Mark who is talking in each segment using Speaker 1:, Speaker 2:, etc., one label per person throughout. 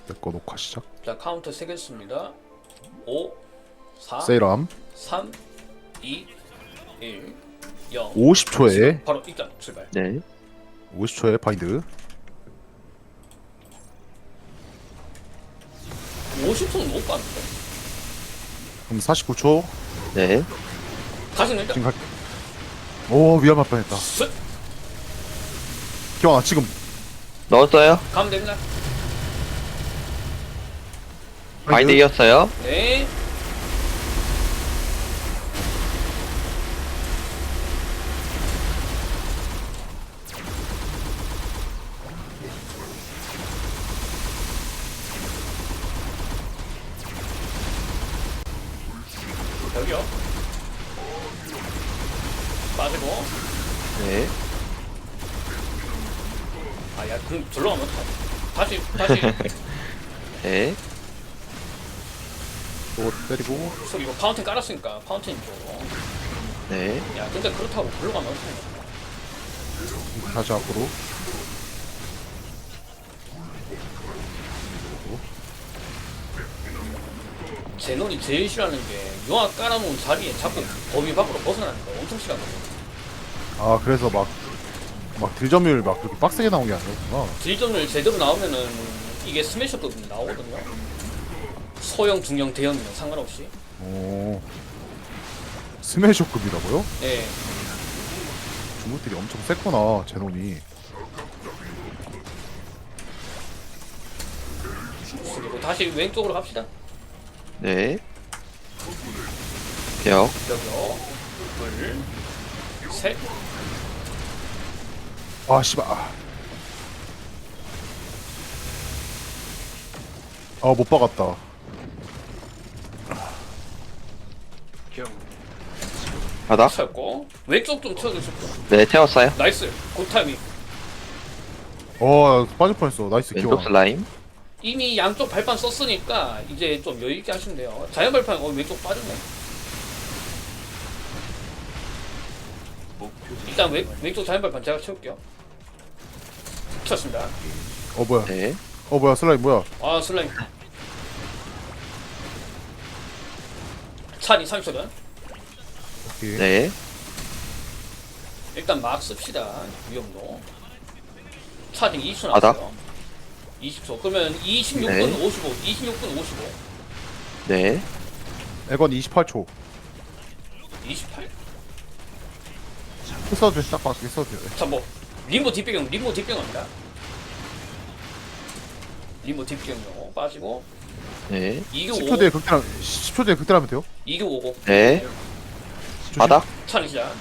Speaker 1: 내거 녹화 시작.
Speaker 2: 자, 카운터 세겠습니다. 5, 4,
Speaker 1: 세이람
Speaker 2: 3, 2, 1, 0.
Speaker 1: 50초에
Speaker 2: 바로 일단 출발.
Speaker 3: 네.
Speaker 1: 50초에 바인드.
Speaker 2: 50초는 못 봤는데.
Speaker 1: 그럼 49초.
Speaker 3: 네.
Speaker 2: 가시는 일단.
Speaker 1: 지금 갈게. 오 위험할 뻔했다.
Speaker 2: 쓱!
Speaker 1: 기왕아 지금
Speaker 3: 넣었어요.
Speaker 2: 가면 됩니다.
Speaker 3: 바인드 이었어요.
Speaker 2: 네. 여기요. 빠지고.
Speaker 3: 네.
Speaker 2: 아, 야, 그럼 절로 가면 어떡하지? 다시.
Speaker 3: 네.
Speaker 1: 또 때리고
Speaker 2: 저 이거 파운틴 깔았으니까 파운틴 쪽으로.
Speaker 3: 네.
Speaker 2: 야, 근데 그렇다고 절로 가면 어떡하냐.
Speaker 1: 다시 앞으로.
Speaker 2: 제논이 제일 싫어하는 게 용악 깔아놓은 자리에 자꾸 범위 밖으로 벗어나는 거 엄청 싫어하거든.
Speaker 1: 아 그래서 막 딜점율 막 그렇게 빡세게 나온 게 아니었구나.
Speaker 2: 딜점을 제대로 나오면은 이게 스매셔급 나오거든요. 소형, 중형, 대형이면 상관없이.
Speaker 1: 오 스매셔급이라고요?
Speaker 2: 예.
Speaker 1: 중국들이 엄청 셌구나 제논이.
Speaker 2: 그리고 다시 왼쪽으로 갑시다.
Speaker 3: 네. 벽.
Speaker 2: 여기요. 둘, 셋.
Speaker 1: 아 씨발. 아못 박았다.
Speaker 3: 바닥.
Speaker 2: 채웠고 왼쪽 좀 채워주실 분.
Speaker 3: 네. 태웠어요.
Speaker 2: 나이스. 굿 타이밍.
Speaker 1: 빠질 뻔했어. 나이스
Speaker 3: 왼쪽
Speaker 1: 기왕.
Speaker 3: 슬라임.
Speaker 2: 이미 양쪽 발판 썼으니까 이제 좀 여유있게 하시면 돼요. 자연 발판 왼쪽 빠졌네. 일단 왼쪽 자연 발판 제가 채울게요. 쳤습니다.
Speaker 1: 뭐야?
Speaker 3: 네.
Speaker 1: 뭐야 슬라임 뭐야?
Speaker 2: 아, 슬라임. 찬이 30초전.
Speaker 1: 오케이.
Speaker 3: 네.
Speaker 2: 일단 막 씁시다. 위험도. 차징 20초
Speaker 3: 바닥.
Speaker 2: 나왔어요. 20초. 그러면 26분
Speaker 3: 네.
Speaker 2: 55. 26분 55.
Speaker 3: 네.
Speaker 1: 에건 28초.
Speaker 2: 28?
Speaker 1: 써도 돼. 딱 맞게 써도 돼.
Speaker 2: 자, 뭐 림보 뒷병입니다. 림보 뒷병요. 빠지고
Speaker 3: 네.
Speaker 2: 2교
Speaker 1: 10초
Speaker 2: 5.
Speaker 1: 뒤에 극딜 10초 뒤에 극딜하면 돼요?
Speaker 2: 2교 5고.
Speaker 3: 네. 바닥.
Speaker 2: 차는 시작.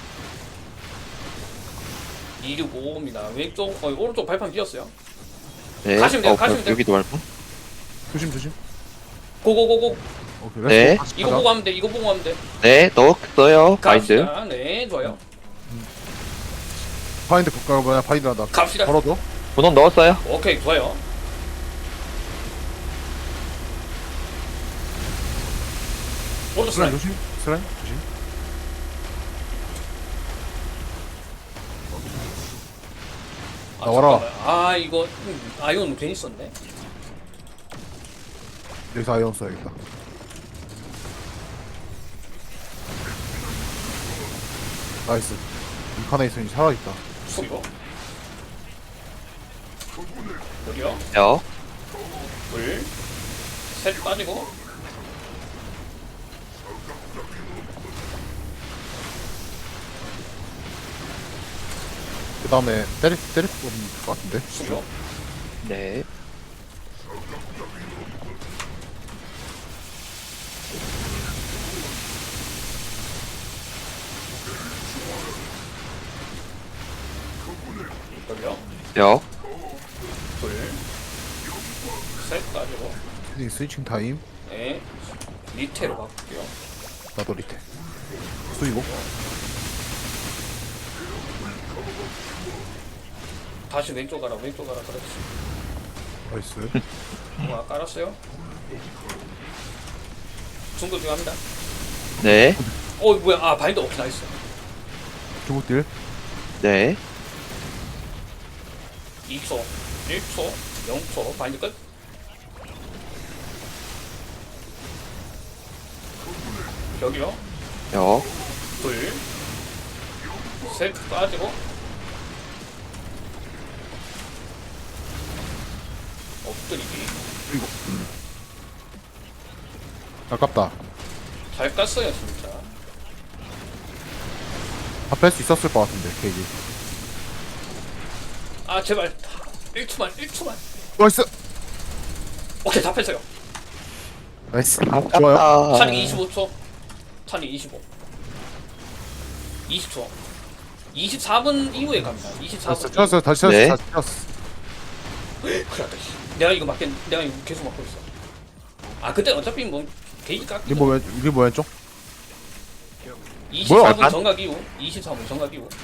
Speaker 2: 2교 5입니다. 왼쪽, 오른쪽 발판 비었어요.
Speaker 3: 네.
Speaker 2: 가시면 돼요, 가시면 돼요.
Speaker 3: 여기도 말고.
Speaker 1: 조심.
Speaker 2: 고고고고.
Speaker 1: 오케이.
Speaker 3: 네.
Speaker 1: 렛츠고. 같이
Speaker 2: 이거
Speaker 1: 가자.
Speaker 2: 보고 하면 돼. 이거 보고 하면 돼.
Speaker 3: 네. 넣었어요. 바인드.
Speaker 2: 갑시다. 네, 좋아요.
Speaker 1: 바인드 국가 뭐야? 바인드 한다.
Speaker 2: 갑시다.
Speaker 1: 걸어줘.
Speaker 3: 분홍 넣었어요.
Speaker 2: 오케이, 좋아요. 오른쪽
Speaker 1: 슬라임
Speaker 2: 슬라임.
Speaker 1: 조심. 슬라임 조심. 나와라.
Speaker 2: 잠깐만. 아, 이거 아이온 괜히 썼네.
Speaker 1: 여기서 아이언 써야겠다. 나이스. 인카네이션이 살아있다.
Speaker 2: 이거. 여기요.
Speaker 3: 벽.
Speaker 2: 둘, 셋 빠지고.
Speaker 1: 그 다음에 때릴 것 같은데.
Speaker 2: 수교.
Speaker 3: 네.
Speaker 2: 여기요.
Speaker 3: 벽.
Speaker 2: 둘, 셋 빠지고.
Speaker 1: 헤딩 스위칭 타임.
Speaker 2: 네. 밑에로 바꿀게요.
Speaker 1: 나도 리테. 수이고.
Speaker 2: 다시 왼쪽 가라, 왼쪽 가라. 그렇지.
Speaker 1: 나이스.
Speaker 2: 깔았어요. 중도 중합니다.
Speaker 3: 네.
Speaker 2: 뭐야? 아, 바인더 오케이, 나이스.
Speaker 1: 중국딜.
Speaker 3: 네.
Speaker 2: 2초, 1초, 0초, 바인드 끝. 여기요.
Speaker 3: 역.
Speaker 2: 둘, 셋 빠지고. 엎드리기.
Speaker 1: 이거 아깝다.
Speaker 2: 잘 깠어요 진짜.
Speaker 1: 다 뺄 수 있었을 것 같은데 케이지.
Speaker 2: 아 제발 1초만.
Speaker 1: 나이스.
Speaker 2: 오케이 다 뺐어요.
Speaker 1: 나이스. 좋아요.
Speaker 3: 아깝다.
Speaker 2: 찬이 25초. 찬이 25. 20초. 24분 이후에 갑니다. 24분.
Speaker 1: 쳤어요. 다시 쳤어.
Speaker 3: 네.
Speaker 1: 다시 쳤어.
Speaker 2: 큰일 났다. 씨. 내가 이거 계속 막고 있어. 아 그때 어차피 뭐 게이지 깎.
Speaker 1: 리버 왼쪽.
Speaker 2: 24분
Speaker 3: 뭐야,
Speaker 2: 정각 이후. 24분 정각 이후.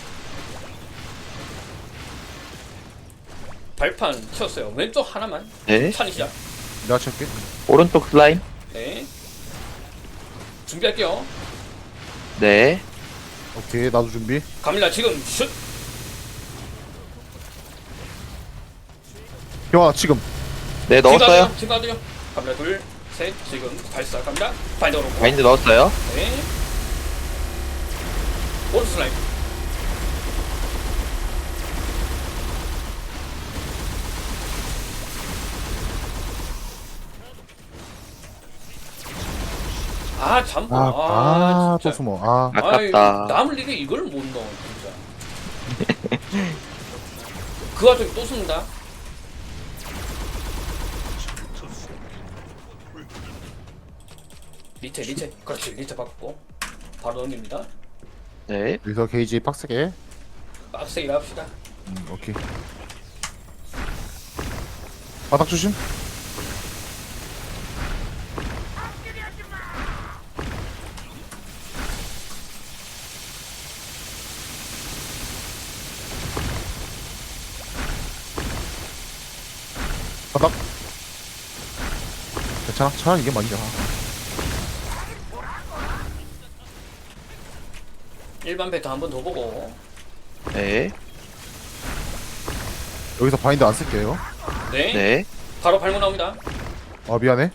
Speaker 2: 발판 쳤어요. 왼쪽 하나만.
Speaker 3: 네.
Speaker 2: 찬이 시작.
Speaker 1: 내가 칠게.
Speaker 3: 오른쪽 슬라임.
Speaker 2: 네. 준비할게요.
Speaker 3: 네.
Speaker 1: 오케이 나도 준비.
Speaker 2: 갑니다. 지금 슛.
Speaker 1: 형아 지금.
Speaker 3: 네, 넣었어요.
Speaker 2: 지금 가도요. 갑니다. 둘, 셋. 지금 발사 갑니다. 바인더로.
Speaker 3: 바인드 넣었어요.
Speaker 2: 네. 오른쪽 슬라임. 아 잠깐.
Speaker 1: 또
Speaker 2: 진짜.
Speaker 1: 숨어. 아
Speaker 3: 아깝다.
Speaker 2: 남을 리에 이걸 못 넣어 진짜. 그 와중에 또 숨는다. 리체. 그렇지 리체 받고 바로 넘깁니다.
Speaker 3: 네.
Speaker 1: 여기서 게이지 빡세게.
Speaker 2: 빡세게 합시다.
Speaker 1: 오케이. 바닥 조심. 바닥. 괜찮아. 차라리 이게 맞냐.
Speaker 2: 일반 베타 한 번 더 보고.
Speaker 3: 네.
Speaker 1: 여기서 바인드 안 쓸게요.
Speaker 2: 네.
Speaker 3: 네.
Speaker 2: 바로 발목 나옵니다.
Speaker 1: 아 미안해.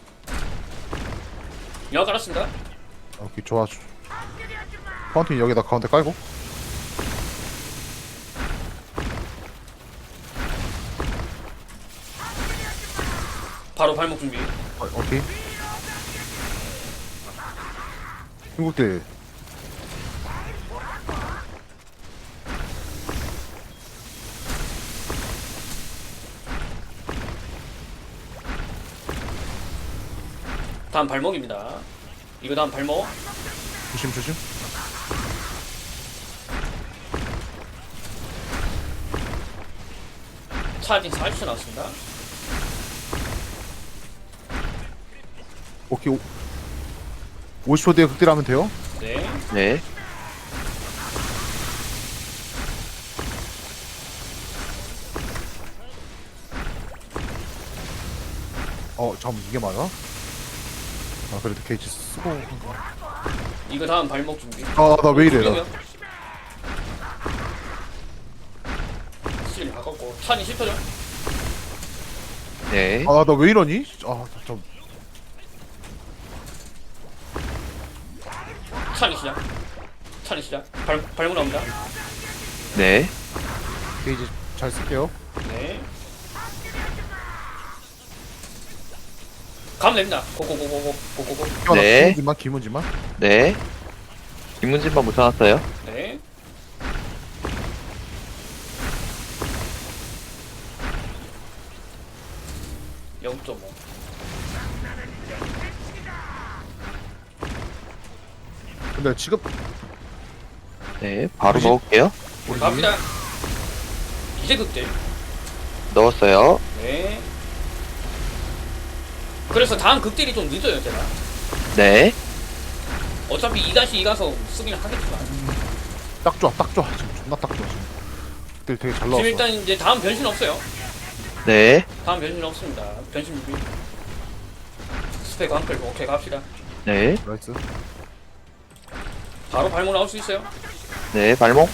Speaker 2: 영화 깔았습니다.
Speaker 1: 오케이 좋아. 파운틴 여기다 가운데 깔고.
Speaker 2: 바로 발목 준비.
Speaker 1: 오케이. 중국들.
Speaker 2: 다음 발목입니다. 이거 다음 발목.
Speaker 1: 조심.
Speaker 2: 차진 40초 나왔습니다.
Speaker 1: 오케이. 50초 뒤에 극딜하면 돼요.
Speaker 2: 네.
Speaker 3: 네.
Speaker 1: 잠 이게 맞아? 아 그래도 게이지 쓰고 한 거.
Speaker 2: 이거 다음 발목 준비.
Speaker 1: 나 왜 이래? 나.
Speaker 2: 실 바꿨고 찬이 10초죠.
Speaker 3: 네.
Speaker 1: 나 왜 이러니? 좀.
Speaker 2: 찬이 시작. 발목 나옵니다.
Speaker 3: 네.
Speaker 1: 게이지 잘 쓸게요.
Speaker 2: 네. 가면 됩니다. 고고고고고고고고.
Speaker 3: 네.
Speaker 1: 기문지만.
Speaker 3: 네. 김문진만 묻혀놨어요.
Speaker 2: 네. (0.5)
Speaker 1: 근데 지금
Speaker 3: 네. 바로
Speaker 1: 뭐지?
Speaker 3: 넣을게요.
Speaker 1: 우리
Speaker 2: 갑니다. 이제 극딜.
Speaker 3: 넣었어요.
Speaker 2: 네. 그래서 다음 극딜이 좀 늦어요 제가.
Speaker 3: 네.
Speaker 2: 어차피 2-2 가서 쓰긴 하겠지만
Speaker 1: 딱 좋아. 지금 존나 딱 좋아 지금. 극딜 되게 잘
Speaker 2: 지금
Speaker 1: 나왔어.
Speaker 2: 일단 이제 다음 변신 없어요.
Speaker 3: 네.
Speaker 2: 다음 변신 없습니다. 변신 준비. 스펙 한클 오케이 갑시다.
Speaker 3: 네.
Speaker 1: 나이스.
Speaker 2: 바로 발목 나올 수 있어요.
Speaker 3: 네. 발목.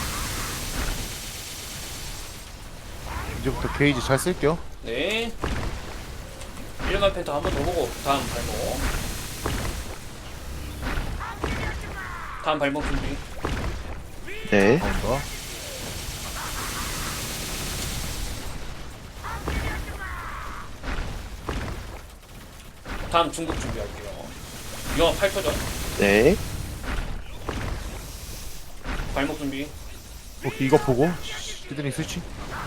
Speaker 1: 이제부터 게이지 잘 쓸게요.
Speaker 2: 네. 일반 펜타 한 번 더 보고 다음 발목. 다음 발목 준비.
Speaker 3: 네.
Speaker 1: 나온다.
Speaker 2: 다음 중국 준비할게요. 영화 8초전.
Speaker 3: 네.
Speaker 2: 발목 준비.
Speaker 1: 오케이, 이거 보고 히드닝 스위치.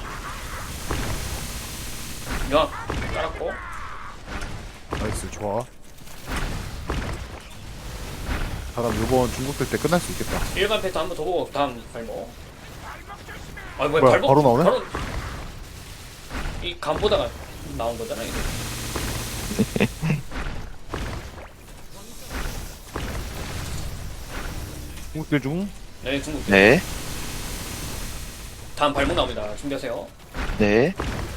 Speaker 2: 영화 깔았고.
Speaker 1: 나이스, 좋아. 사람 요번 중국 될 때 끝날 수 있겠다.
Speaker 2: 일반 패턴 한번 더 보고 다음 발목. 아 뭐야
Speaker 1: 뭐야,
Speaker 2: 발목
Speaker 1: 바로 나오네?
Speaker 2: 바로 이 간 보다가 나온 거잖아 이게.
Speaker 1: 중국들 중.
Speaker 2: 네 중국.
Speaker 3: 네.
Speaker 2: 다음 발목 나옵니다. 준비하세요.
Speaker 3: 네.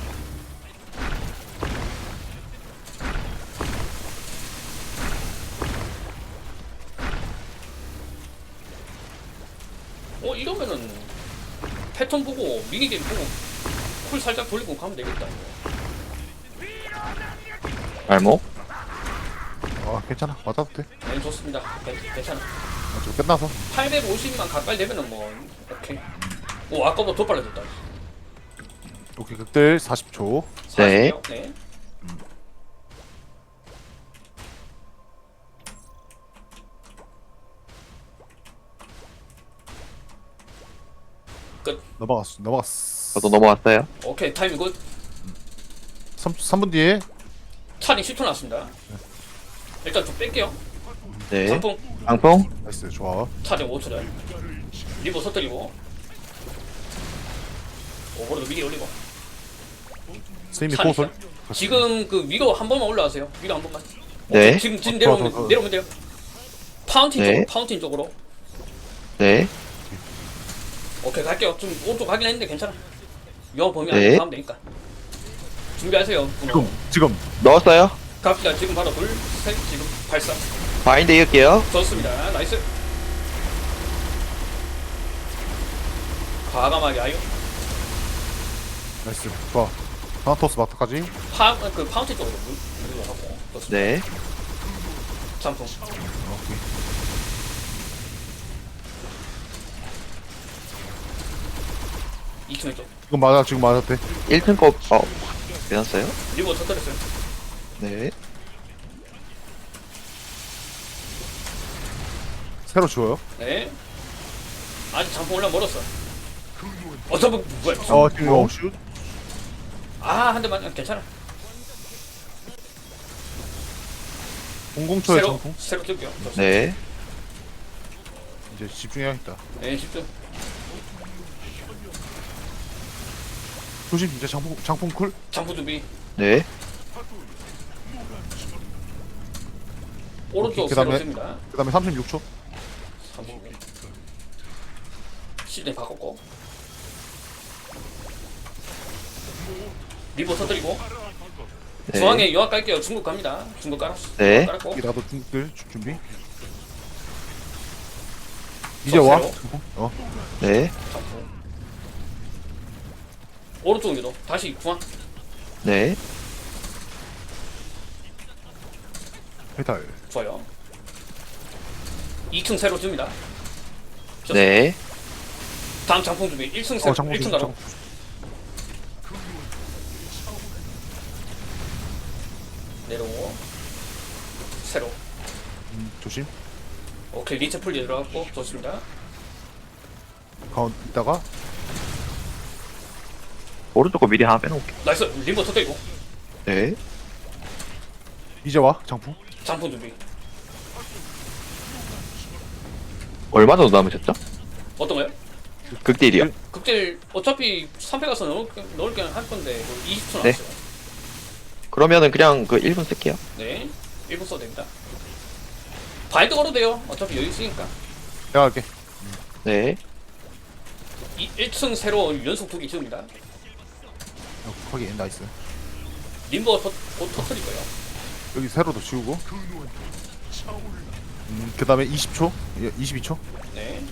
Speaker 2: 이러면은 패턴 보고 미니게임 보고 쿨 살짝 돌리고 가면 되겠다 이거.
Speaker 3: 발목.
Speaker 1: 아, 괜찮아. 맞아도 돼.
Speaker 2: 네 좋습니다. 괜찮아.
Speaker 1: 아, 저 끝나서.
Speaker 2: 850만 가까이 되면은 뭐 오케이. 오 아까보다 더 빨라졌다.
Speaker 1: 오케이, 극들 40초.
Speaker 3: 네.
Speaker 2: 40이요? 네. 끝.
Speaker 1: 넘어갔어.
Speaker 3: 저도 넘어왔어요.
Speaker 2: 오케이 타이밍 굿.
Speaker 1: 3분 뒤에.
Speaker 2: 차링 10초 났습니다. 일단 좀 뺄게요.
Speaker 3: 네.
Speaker 2: 장풍
Speaker 3: 방풍.
Speaker 1: 나이스, 좋아.
Speaker 2: 차링 5초 전. 리버 서뜨리고. 오버로드 미리 올리고.
Speaker 1: 스님이
Speaker 2: 차링
Speaker 1: 코어솔.
Speaker 2: 시작. 지금 그 위로 한 번만 올라가세요. 위로 한 번만.
Speaker 3: 네.
Speaker 2: 오케이, 지금
Speaker 1: 더,
Speaker 2: 내려오면
Speaker 1: 더, 더.
Speaker 2: 내려오면 돼요. 파운틴
Speaker 3: 네.
Speaker 2: 쪽으로 파운틴 쪽으로.
Speaker 3: 네.
Speaker 2: 오케이 갈게요. 좀 오른쪽 가긴 했는데 괜찮아. 영어 보면
Speaker 3: 네.
Speaker 2: 가면 되니까. 준비하세요.
Speaker 1: 지금.
Speaker 3: 넣었어요.
Speaker 2: 갑시다. 지금 바로 둘, 셋, 지금 발사.
Speaker 3: 바인드 이을게요.
Speaker 2: 좋습니다. 나이스. 과감하게 아유.
Speaker 1: 나이스, 좋아. 타나토스 마트까지.
Speaker 2: 그 파운틴 쪽으로 물러가고. 좋습니다.
Speaker 3: 네.
Speaker 2: 잠풍.
Speaker 1: 오케이.
Speaker 2: 이층 쪽.
Speaker 1: 지금 맞아, 지금 맞아도 돼.
Speaker 3: 1층 거, 괜찮았어요?
Speaker 2: 리버 터뜨렸어요.
Speaker 3: 네.
Speaker 1: 새로 지워요.
Speaker 2: 네. 아직 잠풍 올라 멀었어. 잠풍 뭐야?
Speaker 1: 지금 이거 슛.
Speaker 2: 한 대만 괜찮아.
Speaker 1: 00초에
Speaker 2: 새로
Speaker 1: 장풍.
Speaker 2: 새로 뜰게요. 좋습니다.
Speaker 3: 네.
Speaker 1: 이제 집중해야겠다.
Speaker 2: 네 집중.
Speaker 1: 조심, 이제 장풍 쿨.
Speaker 2: 잠풍 준비.
Speaker 3: 네.
Speaker 2: 오른쪽
Speaker 1: 오케이,
Speaker 2: 새로
Speaker 1: 그다음에-
Speaker 2: 뜹니다.
Speaker 1: 그 다음에 36초.
Speaker 2: 시즌 바꿨고. 리버 터뜨리고.
Speaker 3: 네.
Speaker 2: 중앙에 요약 깔게요. 중국 갑니다. 중국 깔았어.
Speaker 3: 네.
Speaker 2: 깔았고.
Speaker 1: 여기 나도 중국들 준비. 이제 와.
Speaker 2: 새로.
Speaker 1: 장풍.
Speaker 3: 네.
Speaker 2: 잠풍. 오른쪽 위로 다시 중앙.
Speaker 3: 네.
Speaker 1: 페탈.
Speaker 2: 좋아요. 2층 새로 줍니다.
Speaker 3: 네.
Speaker 2: 다음 장풍 준비. 1층 새로.
Speaker 1: 장풍
Speaker 2: 1층
Speaker 1: 조심.
Speaker 2: 가로. 내려오고. 새로.
Speaker 1: 조심.
Speaker 2: 오케이 리체 풀리 들어갔고 좋습니다.
Speaker 1: 가운 있다가
Speaker 3: 오른쪽 거 미리 하나 빼놓을게요.
Speaker 2: 나이스 리버 터뜨리고.
Speaker 3: 네.
Speaker 1: 이제 와. 장풍.
Speaker 2: 장풍 준비.
Speaker 3: 얼마 정도 남으셨죠?
Speaker 2: 어떤 거요?
Speaker 3: 극딜이요.
Speaker 2: 극딜 어차피 3패 가서 넣을 게할 건데 20초
Speaker 3: 네.
Speaker 2: 남았어요.
Speaker 3: 그러면은 그냥 그 1분 쓸게요.
Speaker 2: 네. 1분 써도 됩니다. 바인드 걸어도 돼요. 어차피 여유 있으니까.
Speaker 1: 내가 할게.
Speaker 3: 네.
Speaker 2: 1층 새로 연속 2개 지웁니다.
Speaker 1: 거기 나이스.
Speaker 2: 림버 곧 터뜨릴 거예요.
Speaker 1: 여기 세로도 지우고. 그 다음에 20초. 22초.
Speaker 2: 네.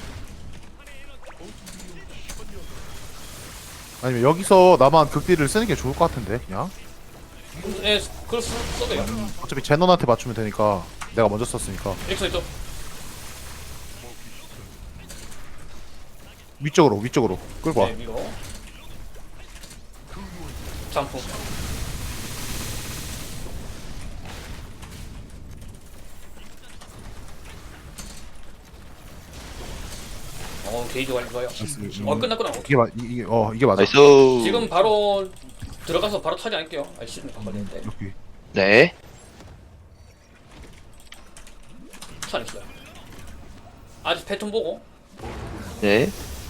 Speaker 1: 아니면 여기서 나만 극딜을 쓰는 게 좋을 것 같은데 그냥.
Speaker 2: 네, 그걸 써도 돼요.
Speaker 1: 어차피 제논한테 맞추면 되니까 내가 먼저 썼으니까.
Speaker 2: 1층 쪽.
Speaker 1: 위쪽으로 끌고 와.
Speaker 2: 네, 위로. 장풍. 게이지 완료 좋아요. 끝났구나.
Speaker 1: 이게 맞아.
Speaker 3: 나이스.
Speaker 2: 지금 바로 들어가서 바로 차지 않을게요. 시즌 바꿔야 되는데.
Speaker 1: 여기.
Speaker 3: 네.
Speaker 2: 차냈어요. 아직 패턴 보고.
Speaker 3: 네.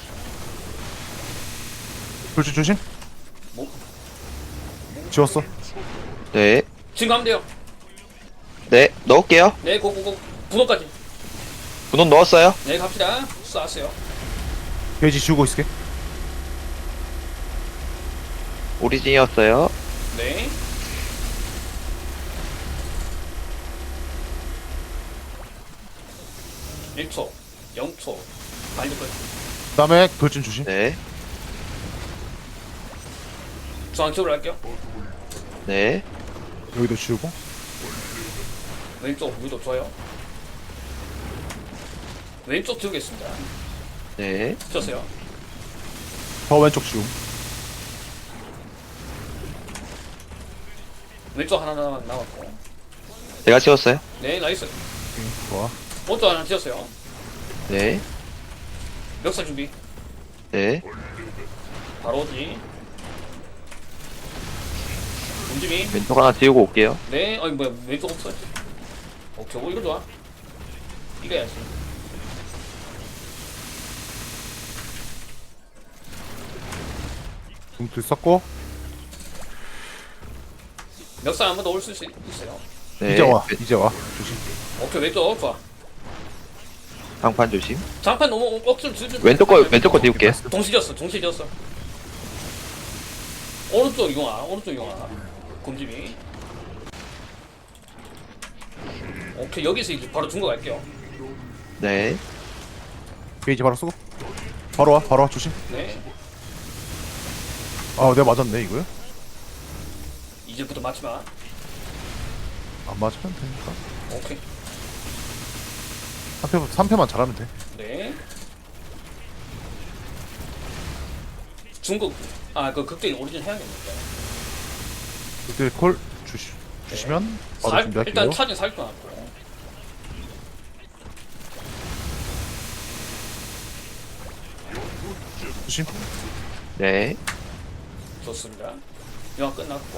Speaker 1: 조심.
Speaker 2: 뭐?
Speaker 1: 지웠어.
Speaker 3: 네.
Speaker 2: 지금 가면 돼요.
Speaker 3: 네. 넣을게요.
Speaker 2: 네, 고고고. 분호까지.
Speaker 3: 분원 넣었어요.
Speaker 2: 네, 갑시다. 쏘았어요.
Speaker 1: 게이지 지우고 있을게.
Speaker 3: 오리진이었어요.
Speaker 2: 네. 일초 0초. 발리 걸.
Speaker 1: 그다음에 돌진 조심.
Speaker 3: 네.
Speaker 2: 중앙쪽으로 할게요.
Speaker 3: 네.
Speaker 1: 여기도 지우고.
Speaker 2: 왼쪽 위도 좋아요. 왼쪽 지우겠습니다.
Speaker 3: 네.
Speaker 2: 쳤어요.
Speaker 1: 더 왼쪽 지움.
Speaker 2: 왼쪽 하나 남았고.
Speaker 3: 제가 지웠어요.
Speaker 2: 네, 나이스.
Speaker 1: 오케이, 좋아.
Speaker 2: 오른쪽 하나 지었어요.
Speaker 3: 네.
Speaker 2: 멱살 준비.
Speaker 3: 네.
Speaker 2: 바로 오지. 움직임.
Speaker 3: 왼쪽 하나 지우고 올게요.
Speaker 2: 네, 어이 뭐야 왼쪽 없어요. 오케이, 이거 좋아. 이겨야지.
Speaker 1: 둥들 썼고.
Speaker 2: 멱살 한 번 더 올 수 있어요.
Speaker 3: 네.
Speaker 1: 이제 와. 조심.
Speaker 2: 오케이, 왼쪽 좋아.
Speaker 3: 장판 조심.
Speaker 2: 장판 너무 억지로 주지.
Speaker 3: 왼쪽 거 지울게요.
Speaker 2: 동시 지었어. 오른쪽 이용아. 곰집이. 오케이, 여기서 이제 바로 중거 갈게요.
Speaker 3: 네.
Speaker 1: 게이지 바로 쓰고. 바로 와. 조심.
Speaker 2: 네,
Speaker 1: 아, 내가 맞았네 이거요?
Speaker 2: 이제부터 맞지 마.
Speaker 1: 안 맞으면 되니까.
Speaker 2: 오케이.
Speaker 1: 3패만 잘하면 돼.
Speaker 2: 네. 중국 그 극대인 오리진 해야겠는데.
Speaker 1: 그때 콜 주시면 바로 준비할게요.
Speaker 2: 일단 차진 살펴놨고.
Speaker 1: 조심.
Speaker 3: 네.
Speaker 2: 좋습니다. 영화 끝났고.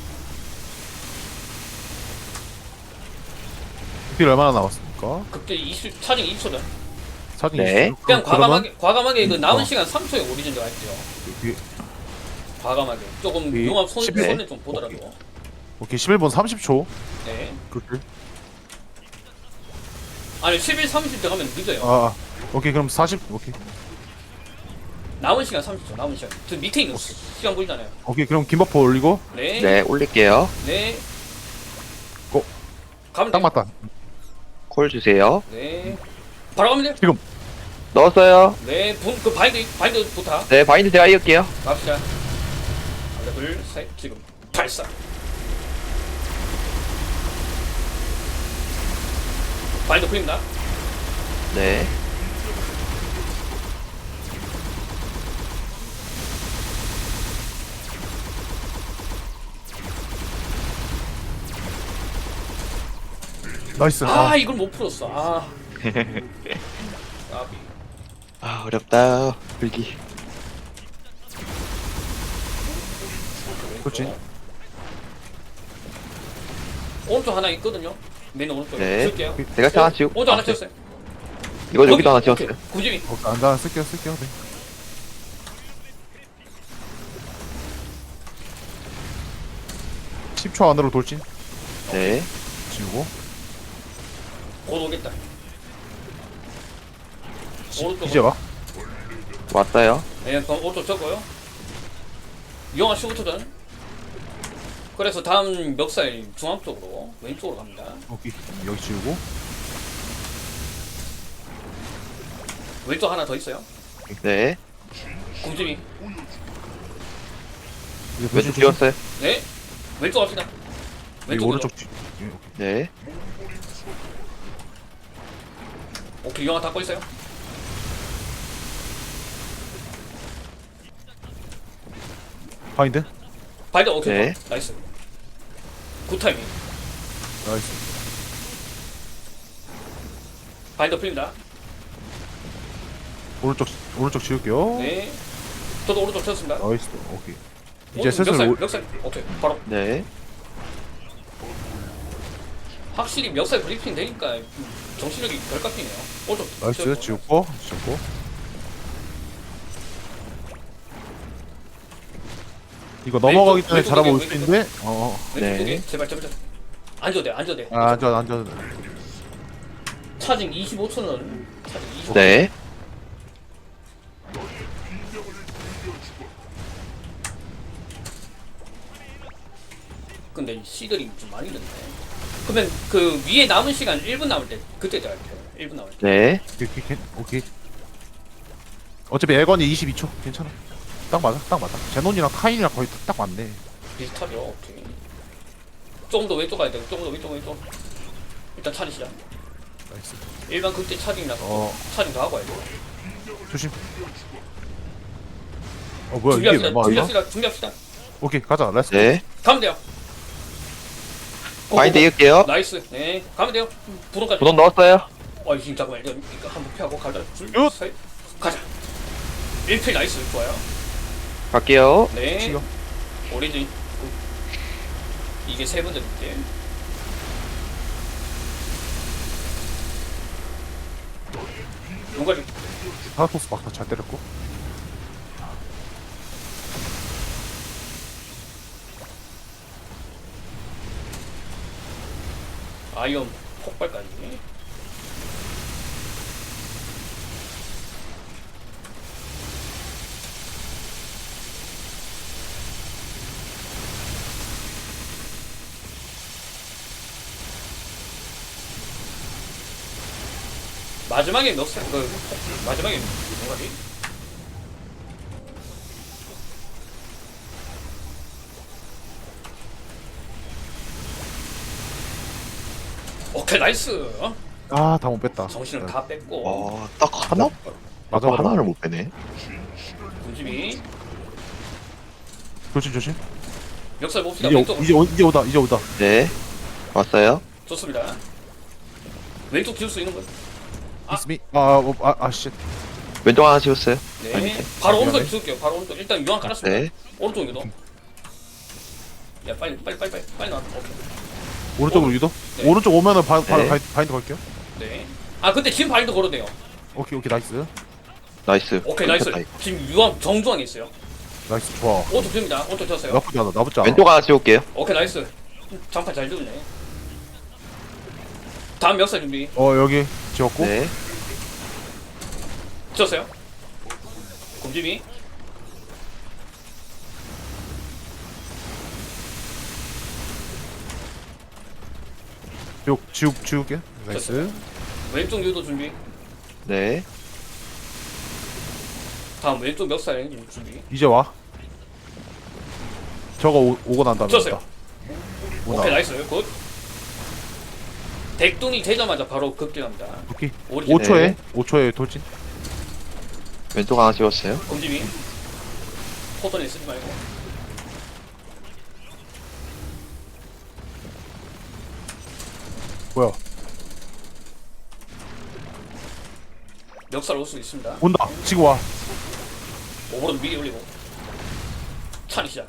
Speaker 1: 딜 얼마나 남았습니까?
Speaker 2: 극대 차징 20초전.
Speaker 1: 사진
Speaker 3: 네.
Speaker 1: 있어요?
Speaker 2: 그냥
Speaker 1: 그러면
Speaker 2: 과감하게 그 남은
Speaker 1: 어.
Speaker 2: 시간 3초에 오리진 들어갈게요.
Speaker 1: 여기,
Speaker 2: 과감하게. 조금
Speaker 1: 이
Speaker 2: 용합
Speaker 1: 11?
Speaker 2: 손에 좀 보더라도.
Speaker 1: 오케이 11분 30초.
Speaker 2: 네.
Speaker 1: 그렇게.
Speaker 2: 아니 11, 30 들어가면 늦어요.
Speaker 1: 아, 오케이 그럼 40. 오케이.
Speaker 2: 남은 시간 30초. 남은 시간. 저 밑에 있는 시간 보이잖아요.
Speaker 1: 오케이 그럼 김버퍼 올리고.
Speaker 2: 네.
Speaker 3: 네. 올릴게요.
Speaker 2: 네.
Speaker 1: 고.
Speaker 2: 가면
Speaker 1: 딱
Speaker 2: 돼요.
Speaker 1: 맞다.
Speaker 3: 콜 주세요.
Speaker 2: 네. 바로 가면 돼요.
Speaker 1: 지금.
Speaker 3: 넣었어요.
Speaker 2: 네. 그 바인드부터
Speaker 3: 네. 바인드 제가 이을게요.
Speaker 2: 갑시다. 하나, 둘, 셋. 지금 발사. 바인드 풀립니다.
Speaker 3: 네.
Speaker 1: 나이스.
Speaker 2: 아, 이걸 못 풀었어. 아. 까비.
Speaker 3: 아, 어렵다. 불기.
Speaker 1: 그렇지.
Speaker 2: 오른쪽 하나 있거든요. 맨 오른쪽에.
Speaker 3: 네.
Speaker 2: 쓸게요.
Speaker 3: 제가 하나 지우고.
Speaker 2: 오른쪽 하나
Speaker 3: 아, 네.
Speaker 2: 쳤어요.
Speaker 3: 이거 여기도 하나 지웠어요.
Speaker 2: 구집이.
Speaker 1: 안다 쓸게요. 네. (10초) 안으로 돌진
Speaker 3: 네.
Speaker 1: 지우고.
Speaker 2: 곧 오겠다. 오른쪽.
Speaker 1: 이제 와.
Speaker 3: 왔어요.
Speaker 2: 네, 그럼 오른쪽 적고요. 영화 15초전. 그래서 다음 멱살 중앙 쪽으로 왼쪽으로 갑니다.
Speaker 1: 오케이 여기 지우고.
Speaker 2: 왼쪽 하나 더 있어요.
Speaker 3: 네.
Speaker 2: 굶집이.
Speaker 1: 이제
Speaker 3: 왼쪽
Speaker 1: 돌진
Speaker 3: 지웠어요.
Speaker 2: 네. 왼쪽 갑시다.
Speaker 1: 여기
Speaker 2: 왼쪽
Speaker 1: 오른쪽
Speaker 3: 네.
Speaker 2: 오케이, 영화 닫고 있어요.
Speaker 1: 바인드.
Speaker 2: 바인드 오케이.
Speaker 3: 네.
Speaker 2: 나이스. 굿 타이밍.
Speaker 1: 나이스.
Speaker 2: 바인드 풀립니다.
Speaker 1: 오른쪽 지울게요.
Speaker 2: 네. 저도 오른쪽 쳤습니다.
Speaker 1: 나이스. 오케이. 이제
Speaker 2: 오른쪽
Speaker 1: 슬슬
Speaker 2: 멱살. 오케이. 바로.
Speaker 3: 네.
Speaker 2: 확실히 멱살 브리핑 되니까 정신력이 덜 깎이네요. 오른쪽.
Speaker 1: 나이스. 지웠고. 이거 넘어가기 전에
Speaker 2: 왼쪽
Speaker 1: 잘하고 올
Speaker 2: 왼쪽
Speaker 1: 수 있는데.
Speaker 2: 왼쪽
Speaker 3: 네.
Speaker 2: 쪽에 제발. 앉아도 돼.
Speaker 1: 아, 앉아.
Speaker 2: 차징 25초는 차징 25초.
Speaker 3: 네.
Speaker 2: 근데 시들이 좀 많이 늦네. 그러면 그 위에 남은 시간 1분 남을 때 그때 할게요. 1분 남을 때.
Speaker 3: 네.
Speaker 1: 오케이. 어차피 에건이 22초. 괜찮아. 딱 맞아. 제논이랑 카인이랑 거의 딱 맞네.
Speaker 2: 비슷하죠. 오케이. 조금 더 왼쪽 가야 돼. 조금 더 왼쪽. 일단 차리시자.
Speaker 1: 나이스.
Speaker 2: 일반 극대 차징이라서 차징 더 하고 와야 돼.
Speaker 1: 조심. 뭐야 이게 왜 막이야?
Speaker 2: 준비합시다.
Speaker 1: 오케이 가자. 렛츠.
Speaker 3: 네.
Speaker 2: 가면 돼요.
Speaker 3: 바인드 이을게요.
Speaker 2: 나이스. 네, 가면 돼요. 부동까지.
Speaker 3: 부동 넣었어요.
Speaker 2: 지금 잠깐만. 이거 한번 피하고 가자.
Speaker 1: 얏!
Speaker 2: 셋. 가자. 1필 나이스. 좋아요.
Speaker 3: 갈게요.
Speaker 2: 네.
Speaker 1: 치요.
Speaker 2: 오리진. 이게 세 번째 때. 용가리.
Speaker 1: 하나토스 막다 잘 때렸고.
Speaker 2: 아이언 폭발까지. 마지막에 몇 살? 마지막에 용가리. 오케이 나이스.
Speaker 1: 다 못 뺐다.
Speaker 2: 정신을 다 뺐고.
Speaker 3: 딱 하나?
Speaker 1: 맞아.
Speaker 3: 하나를 못 빼네.
Speaker 2: 군집이
Speaker 1: 조심.
Speaker 2: 멱살 봅시다. 왼쪽.
Speaker 1: 이제 오다.
Speaker 3: 네. 왔어요.
Speaker 2: 좋습니다. 왼쪽 지울 수 있는 거.
Speaker 1: 이스미. 쉣.
Speaker 3: 왼쪽 하나 지웠어요.
Speaker 2: 네.
Speaker 3: 아니,
Speaker 2: 바로 오른쪽
Speaker 1: 미안해.
Speaker 2: 지울게요. 바로 오른쪽. 일단 유황 깔았습니다.
Speaker 3: 네.
Speaker 2: 오른쪽 유도. 야 빨리 나와. 오케이.
Speaker 1: 오른쪽으로 유도.
Speaker 2: 네.
Speaker 1: 오른쪽 오면은 바로
Speaker 3: 네.
Speaker 1: 바인드 걸게요.
Speaker 2: 네. 근데 지금 바인드 걸어도 돼요.
Speaker 1: 오케이 나이스.
Speaker 3: 나이스.
Speaker 2: 오케이 나이스.
Speaker 3: 끊겼다, 이거.
Speaker 2: 지금 유황 정중앙에 있어요.
Speaker 1: 나이스 좋아.
Speaker 2: 오른쪽 줍니다. 오른쪽 쳤어요.
Speaker 1: 나쁘지 않아.
Speaker 3: 왼쪽 하나 지울게요.
Speaker 2: 오케이 나이스. 장판 잘 주네. 다음 멱살 준비.
Speaker 1: 여기 지웠고.
Speaker 3: 네.
Speaker 2: 쳤어요. 곰집이.
Speaker 1: 지울게. 나이스.
Speaker 2: 왼쪽 유도 준비.
Speaker 3: 네.
Speaker 2: 다음 왼쪽 멱살 준비.
Speaker 1: 이제 와. 저거 오고 난 다음에.
Speaker 2: 쳤어요.
Speaker 1: 온다.
Speaker 2: 오케이 나이스. 굿. 덱동이 되자마자 바로 급진합니다.
Speaker 1: 오케이.
Speaker 2: 오리진.
Speaker 1: 5초에 돌진.
Speaker 3: 왼쪽 하나 지웠어요.
Speaker 2: 곰집이. 포ton에 쓰지 말고.
Speaker 1: 뭐야?
Speaker 2: 멱살 올 수 있습니다.
Speaker 1: 온다. 지금 와.
Speaker 2: 오버로드 미리 올리고. 차리 시작.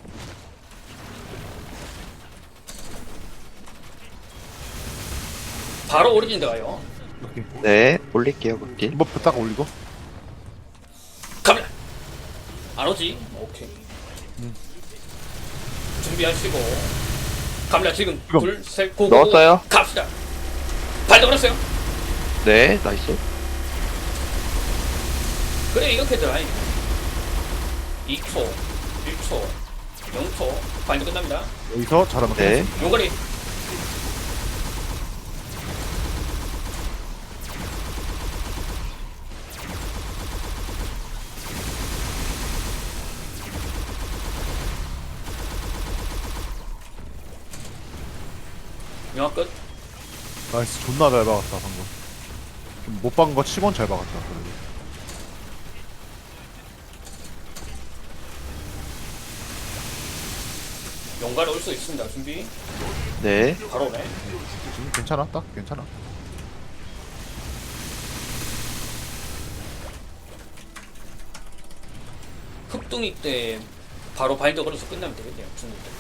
Speaker 2: 바로 오리진 들어가요.
Speaker 1: 오케이.
Speaker 3: 네. 올릴게요, 극딜.
Speaker 1: 이번 딱 올리고.
Speaker 2: 갑니다. 안 오지? 오케이. 준비하시고. 갑니다. 지금
Speaker 1: 지금.
Speaker 2: 둘, 셋, 고.
Speaker 3: 넣었어요.
Speaker 2: 갑시다. 발도 걸었어요.
Speaker 3: 네. 나이스.
Speaker 2: 그래 이렇게 들어가니. 2초, 1초, 0초. 바인드 끝납니다.
Speaker 1: 여기서 잘하면
Speaker 3: 네.
Speaker 2: 용거리. 영화 끝.
Speaker 1: 나이스. 존나 잘 박았다 방금. 못 박은 거 치곤 잘 박았다. 그래도.
Speaker 2: 연가로 올 수 있습니다. 준비.
Speaker 3: 네.
Speaker 2: 바로 오네.
Speaker 1: 지금 괜찮아 딱 괜찮아.
Speaker 2: 흑둥이 때 바로 바인더 걸어서 끝나면 되겠네요. 중국 때.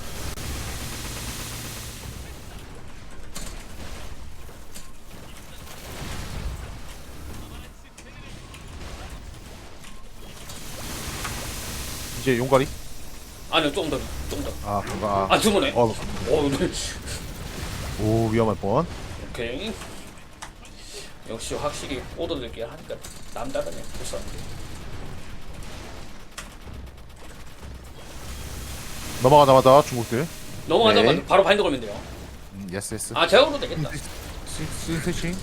Speaker 1: 이제 용가리?
Speaker 2: 아니요, 조금 더, 조금 더.
Speaker 1: 아 그거
Speaker 2: 아, 두 번에.
Speaker 1: 어,
Speaker 2: 네.
Speaker 1: 오 위험할 뻔.
Speaker 2: 오케이. 역시 확실히 오더들끼리 하니까 남다르네. 벌써.
Speaker 1: 넘어가자마자 중국들.
Speaker 2: 넘어가자마자
Speaker 3: 네.
Speaker 2: 바로 바인더 걸면 돼요.
Speaker 1: 예스 예스.
Speaker 2: 아, 제가 걸어도 되겠다.
Speaker 1: 스위칭.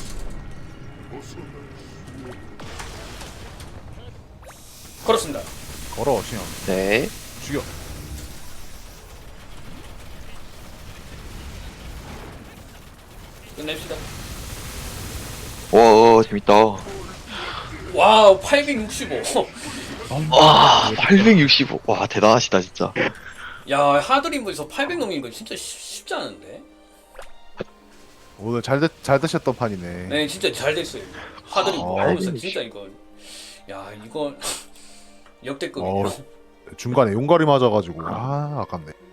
Speaker 2: 걸었습니다.
Speaker 1: 걸어 신형.
Speaker 3: 네.
Speaker 1: 죽여.
Speaker 2: 끝냅시다.
Speaker 3: 와, 재밌다.
Speaker 2: 와우, 865.
Speaker 3: 와, 865. 와, 대단하시다, 진짜.
Speaker 2: 야, 하드림에서 800 넘기는 거 진짜 쉽지 않은데?
Speaker 1: 오늘 잘 드셨던 판이네.
Speaker 2: 네, 진짜 잘 됐어요. 하드림
Speaker 1: 아,
Speaker 2: 하면서
Speaker 3: 네.
Speaker 2: 진짜 이거. 야, 이거
Speaker 1: 어,
Speaker 2: 역대급이네요.
Speaker 1: 중간에 용가리 맞아가지고 아깝네.